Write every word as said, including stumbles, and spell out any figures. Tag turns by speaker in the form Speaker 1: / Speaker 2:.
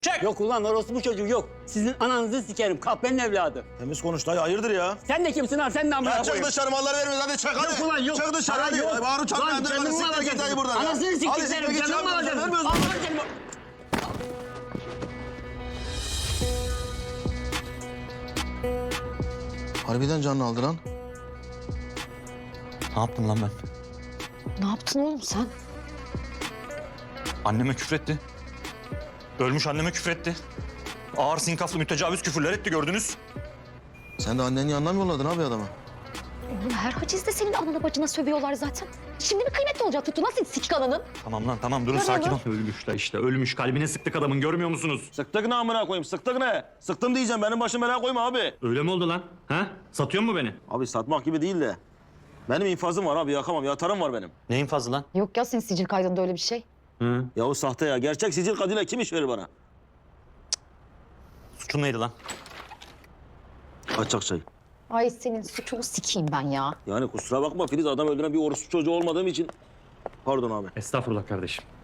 Speaker 1: Çek.
Speaker 2: Yok ulan orası bu çocuk yok. Sizin ananızı sikerim. Kahpenin evladı.
Speaker 3: Temiz konuş dayı, hayırdır ya?
Speaker 2: Sen de kimsin lan? Sen de amına
Speaker 3: Ya çık
Speaker 2: koyayım.
Speaker 3: dışarı, malları vermiyoruz, hadi çık hadi.
Speaker 2: Yok ulan yok.
Speaker 3: Çık dışarı
Speaker 2: Para
Speaker 3: hadi.
Speaker 2: yok.
Speaker 3: Bağırın
Speaker 2: Lan
Speaker 3: çatmayın,
Speaker 2: canımı
Speaker 3: hadi
Speaker 2: mı
Speaker 3: siktir git dayı
Speaker 2: alacaksın?
Speaker 3: buradan ya.
Speaker 2: Anasını
Speaker 3: Hadi
Speaker 2: siktir
Speaker 3: siktir
Speaker 2: senin.
Speaker 3: git,
Speaker 2: Canımı mı
Speaker 3: çarpma,
Speaker 2: alacaksın?
Speaker 3: vermiyoruz.
Speaker 2: Allah'ın seni.
Speaker 3: Harbiden canını aldı lan.
Speaker 1: Ne yaptım lan ben?
Speaker 4: Ne yaptın oğlum sen?
Speaker 1: Anneme küfretti. Ölmüş anneme küfretti. Ağır sinkaflı mütecavüz küfürler etti gördünüz.
Speaker 3: Sen de annenin yanına mı yolladın abi adamı?
Speaker 4: Oğlum her hacizde senin anana bacına sövüyorlar zaten. Şimdi bir kıymetli olacak tuttu. Nasıl sikik ananın?
Speaker 1: Tamam lan tamam durun
Speaker 4: Ne
Speaker 1: sakin
Speaker 4: lan?
Speaker 1: ol. Ölmüş la işte ölmüş. Kalbine sıktık adamın görmüyor musunuz?
Speaker 3: Sıktık ne amına koyayım, sıktık ne? Sıktım diyeceğim, benim başım belaya koyma abi.
Speaker 1: Öyle mi oldu lan? Ha? Satıyor mu beni?
Speaker 3: Abi satmak gibi değil de. Benim infazım var abi, yakamam, yatarım var benim.
Speaker 1: Neyin fazla lan?
Speaker 4: Yok ya senin sicil kaydında öyle bir şey.
Speaker 1: Hı?
Speaker 3: Ya o sahte ya, gerçek sicil kaydıyla kim iş verir bana?
Speaker 1: Suçun neydi lan?
Speaker 3: Kaçak çay.
Speaker 4: Ay senin suçunu sikeyim ben ya.
Speaker 3: Yani kusura bakma Filiz, adam öldüren bir orospu çocuğu olmadığım için. Pardon abi.
Speaker 1: Estağfurullah kardeşim.